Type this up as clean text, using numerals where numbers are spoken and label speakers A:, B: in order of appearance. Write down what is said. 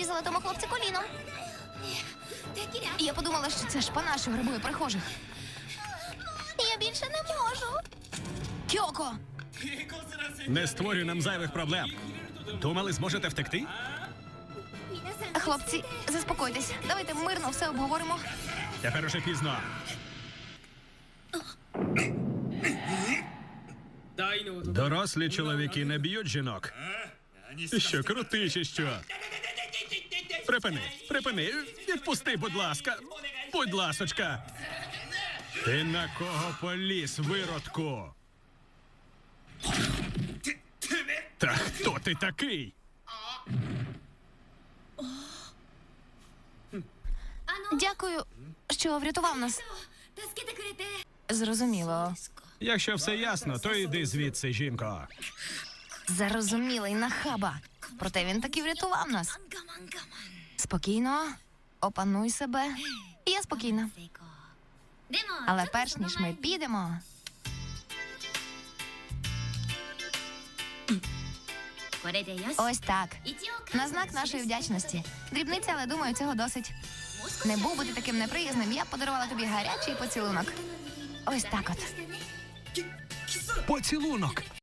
A: відрізала тому хлопці коліном. Я подумала, що це шпана, що грабує прихожих. Я більше не можу. Кьоко!
B: Не створюй нам зайвих проблем. Думали, зможете втекти?
A: Хлопці, заспокойтесь. Давайте мирно все обговоримо.
B: Тепер уже пізно. Дорослі чоловіки не б'ють жінок. Ти що, крутий чи що? Припини. Відпусти, будь ласка. Будь ласочка. Ти на кого поліз, виродку? Та хто ти такий?
A: Дякую, що врятував нас. Зрозуміло.
B: Якщо все ясно, то йди звідси, жінко.
A: Зарозумілий нахаба. Проте він таки врятував нас. Спокійно, опануй себе. Я спокійна. Але перш ніж ми підемо... Ось так. На знак нашої вдячності. Дрібниця, але думаю, цього досить. Не був би ти таким неприязним, я б подарувала тобі гарячий поцілунок. Ось так от.
B: Поцілунок.